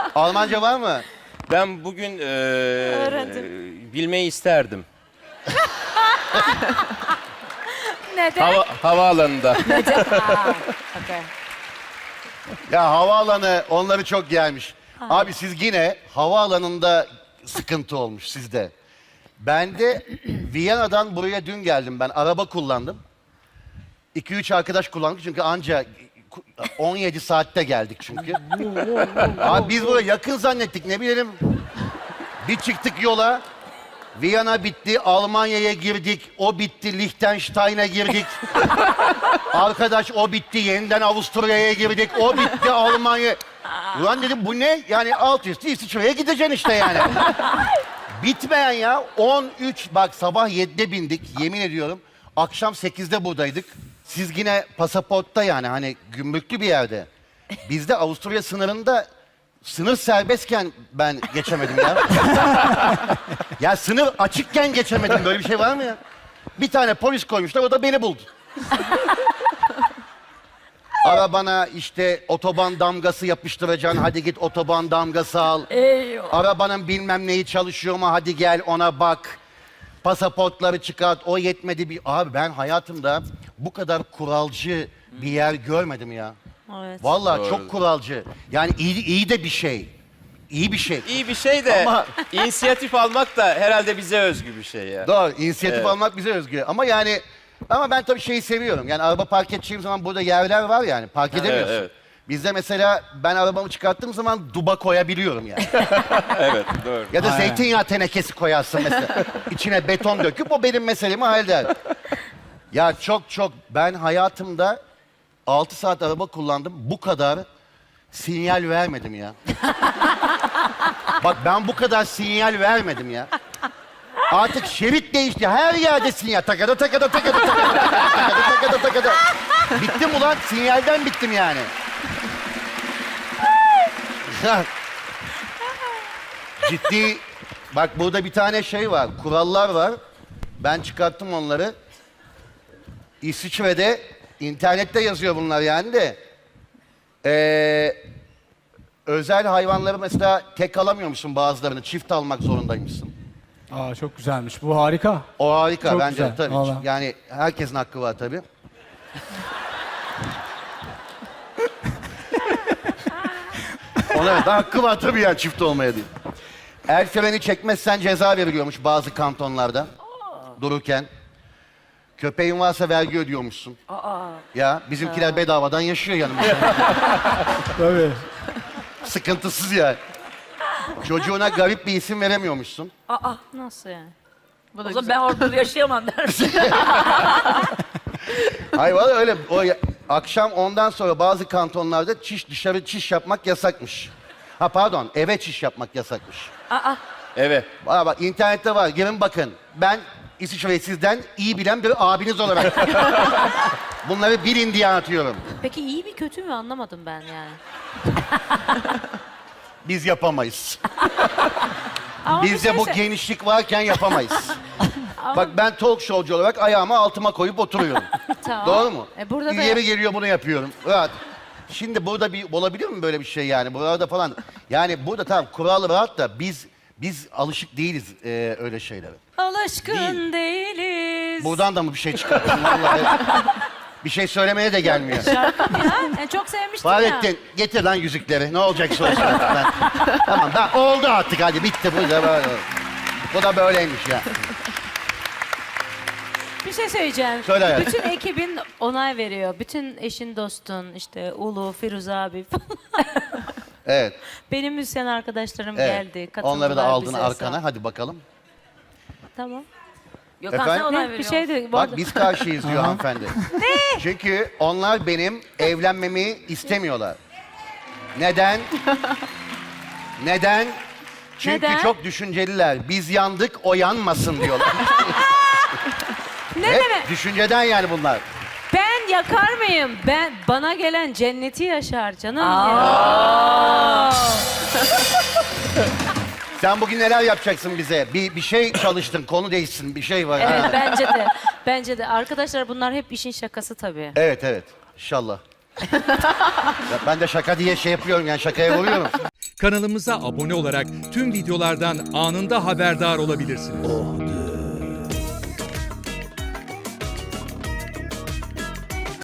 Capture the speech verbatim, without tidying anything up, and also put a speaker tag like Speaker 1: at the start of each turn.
Speaker 1: Almanca var mı?
Speaker 2: Ben bugün e,
Speaker 3: Öğrendim.
Speaker 2: e, bilmeyi isterdim.
Speaker 3: Neden?
Speaker 2: Hava, havaalanında.
Speaker 3: Aa, okay.
Speaker 1: Ya havaalanı onları çok gelmiş. Abi siz yine havaalanında sıkıntı olmuş sizde. Ben de Viyana'dan buraya dün geldim. Ben araba kullandım. iki üç arkadaş kullandık çünkü anca on yedi saatte geldik çünkü. Abi biz buraya yakın zannettik, ne bilelim. Bir çıktık yola. Viyana bitti, Almanya'ya girdik. O bitti, Liechtenstein'e girdik. Arkadaş o bitti, yeniden Avusturya'ya girdik. O bitti, Almanya. Ulan dedim bu ne? Yani alt üstü İsviçre'ye gideceksin işte yani. Bitmeyen ya. on üç, bak sabah yedide bindik, yemin ediyorum. Akşam sekizde buradaydık. Siz yine pasaportta, yani hani gümrüklü bir yerde. Bizde Avusturya sınırında sınır serbestken ben geçemedim ya. Ya sınır açıkken geçemedim. Böyle bir şey var mı ya? Bir tane polis koymuşlar, o da beni buldu. Arabana işte otoban damgası yapıştıracaksın. Hadi git otoban damgası al.
Speaker 3: Eyvah.
Speaker 1: Arabanın bilmem neyi çalışıyor mu? Hadi gel ona bak. Pasaportları çıkart. O yetmedi bir... Abi ben hayatımda bu kadar kuralcı bir yer görmedim ya.
Speaker 3: Evet.
Speaker 1: Vallahi
Speaker 2: Doğru.
Speaker 1: çok kuralcı. Yani iyi, iyi de bir şey. İyi bir şey.
Speaker 2: İyi bir şey de
Speaker 1: Ama-
Speaker 2: inisiyatif almak da herhalde bize özgü bir şey ya.
Speaker 1: Doğru, inisiyatif
Speaker 2: Evet.
Speaker 1: almak bize özgü. Ama yani, ama ben tabii şeyi seviyorum. Yani araba park edeceğim zaman burada yerler var yani. Park edemiyorsun.
Speaker 2: evet.
Speaker 1: Bizde mesela ben arabamı çıkarttığım zaman duba koyabiliyorum yani.
Speaker 2: Evet, doğru.
Speaker 1: Ya da
Speaker 4: Aynen.
Speaker 1: zeytinyağı tenekesi koyarsın mesela. İçine beton döküp o benim meselemi halleder. Ya çok çok, ben hayatımda altı saat araba kullandım. Bu kadar sinyal vermedim ya. Bak ben bu kadar sinyal vermedim ya. Artık şerit değişti. Her yerde sinyal. Takada takada takada takada takada takada takada. Bittim ulan. Sinyalden bittim yani. Ciddi. Bak burada bir tane şey var. Kurallar var. Ben çıkarttım onları. İsviçre'de internette yazıyor bunlar yani de. Ee, özel hayvanları mesela tek alamıyormuşsun bazılarını. Çift almak zorundaymışsın.
Speaker 4: Aa, çok güzelmiş. Bu harika.
Speaker 1: O harika
Speaker 4: Çok
Speaker 1: bence
Speaker 4: güzel,
Speaker 1: tabii.
Speaker 4: vallahi.
Speaker 1: Yani herkesin hakkı var tabii. Ona da hakkı var tabii ya çift olmaya değil. El freni çekmezsen ceza veriliyormuş bazı kantonlarda. Dururken. Köpeğin varsa vergi ödüyormuşsun. Ya bizimkiler bedavadan yaşıyor yanımızda.
Speaker 4: Tabii.
Speaker 1: Sıkıntısız ya. Çocuğuna garip bir isim veremiyormuşsun.
Speaker 3: Aa, nasıl yani?
Speaker 5: O zaman ben orada yaşayamam dersin.
Speaker 1: Hayır vallahi öyle. O ya- akşam ondan sonra bazı kantonlarda çiş, dışarı çiş yapmak yasakmış. Ha pardon, eve çiş yapmak yasakmış.
Speaker 3: Aa,
Speaker 2: Evet.
Speaker 1: Aa, bak internette var, girin bakın. Ben İsviçre'yi sizden iyi bilen bir abiniz olarak bunları bilin diye anlatıyorum.
Speaker 3: peki iyi mi kötü mü anlamadım ben yani.
Speaker 1: Biz yapamayız.
Speaker 3: Ama bir
Speaker 1: Bizde
Speaker 3: şey
Speaker 1: bu
Speaker 3: sö-
Speaker 1: genişlik varken yapamayız. Bak ben talk showcu olarak ayağımı altıma koyup oturuyorum.
Speaker 3: Tamam.
Speaker 1: Doğru mu?
Speaker 3: E, burada da
Speaker 1: Yeri geliyor bunu yapıyorum. Rahat. Şimdi burada bir olabiliyor mu böyle bir şey yani? Burada falan. Yani burada tamam kural rahat da biz biz alışık değiliz e, öyle şeylere.
Speaker 3: alışkın değiliz.
Speaker 1: Buradan da mı bir şey çıkarttın vallahi? Bir şey söylemeye de gelmiyor.
Speaker 3: Şarkım ya. E, çok sevmiştim ya.
Speaker 1: Fahrettin getir lan yüzükleri. Ne olacaksa olsun artık ben. Tamam ben oldu artık hadi bitti bu da böyle. Bu da böyleymiş ya.
Speaker 3: Bir şey söyleyeceğim.
Speaker 1: Söyle hayatım.
Speaker 3: Bütün ekibin onay veriyor. Bütün eşin, dostun, işte Ulu, Firuze abi falan.
Speaker 1: Evet.
Speaker 3: Benim müzisyen arkadaşlarım
Speaker 1: Evet.
Speaker 3: geldi. Katıldılar
Speaker 1: Onları da aldın
Speaker 3: bize.
Speaker 1: arkana. Hadi bakalım.
Speaker 3: Tamam.
Speaker 5: Gökhan
Speaker 1: Efendim?
Speaker 5: sen onay
Speaker 3: Ne, bir
Speaker 5: veriyorsun.
Speaker 3: şey de bu
Speaker 1: Bak
Speaker 3: arada-
Speaker 1: biz karşıyız diyor hanımefendi. Ne? Çünkü onlar benim evlenmemi istemiyorlar. Neden? Neden? Çünkü
Speaker 3: Neden?
Speaker 1: çok düşünceliler. Biz yandık, o yanmasın diyorlar.
Speaker 3: Ne
Speaker 1: Hep
Speaker 3: demek?
Speaker 1: düşünceden yani bunlar.
Speaker 3: Ben yakar mıyım? Ben bana gelen cenneti yaşar canım. Ya.
Speaker 1: Sen bugün neler yapacaksın bize? Bir, bir şey çalıştın, konu değişsin, bir şey var.
Speaker 3: Evet
Speaker 1: Ha.
Speaker 3: bence de. Bence de. Arkadaşlar bunlar hep işin şakası tabii.
Speaker 1: Evet, evet. İnşallah. Ya ben de şaka diye şey yapıyorum yani şakaya vuruyorum.
Speaker 6: Kanalımıza abone olarak tüm videolardan anında haberdar olabilirsiniz.